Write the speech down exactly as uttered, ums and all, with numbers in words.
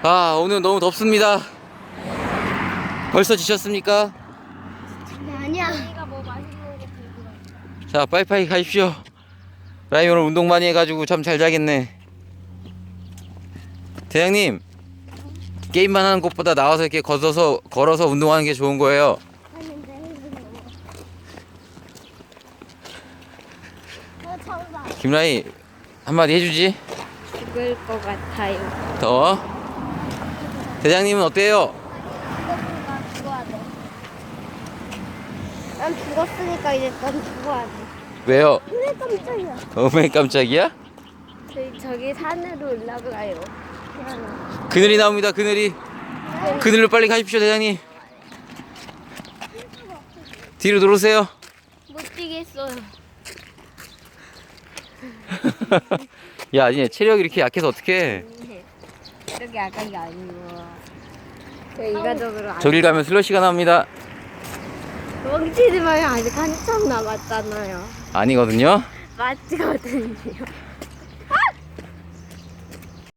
아, 오늘 너무 덥습니다. 벌써 지쳤습니까? 아니야. 내가 뭐 맛있는 게 들고 와. 자, 빠이빠이 가십시오. 라임 오늘 운동 많이 해가지고 잠 잘 자겠네. 대장님, 게임만 하는 것보다 나와서 이렇게 걷어서 걸어서 운동하는 게 좋은 거예요. 어, 정답. 김라이 한마디 해주지. 죽을 것 같아요. 더워? 대장님은 어때요? 죽었으니까 죽어야 돼. 난 죽었으니까 이제 넌 죽어야 돼. 왜요? 그래 깜짝이야. 어메 깜짝이야? 저희 저기 산으로 올라가요. 그늘이 나옵니다. 그늘이. 그늘로 빨리 가십시오, 대장님. 뒤로 들어오세요. 못 뛰겠어요. 야, 니네 체력이 이렇게 약해서 어떡해. 이렇게 약한 게 아니고. 저 일가족으로 안. 저길 가면 슬러시가 나옵니다. 멍치지 마요. 아직 한참 남았잖아요. 아니거든요. 맞거든요.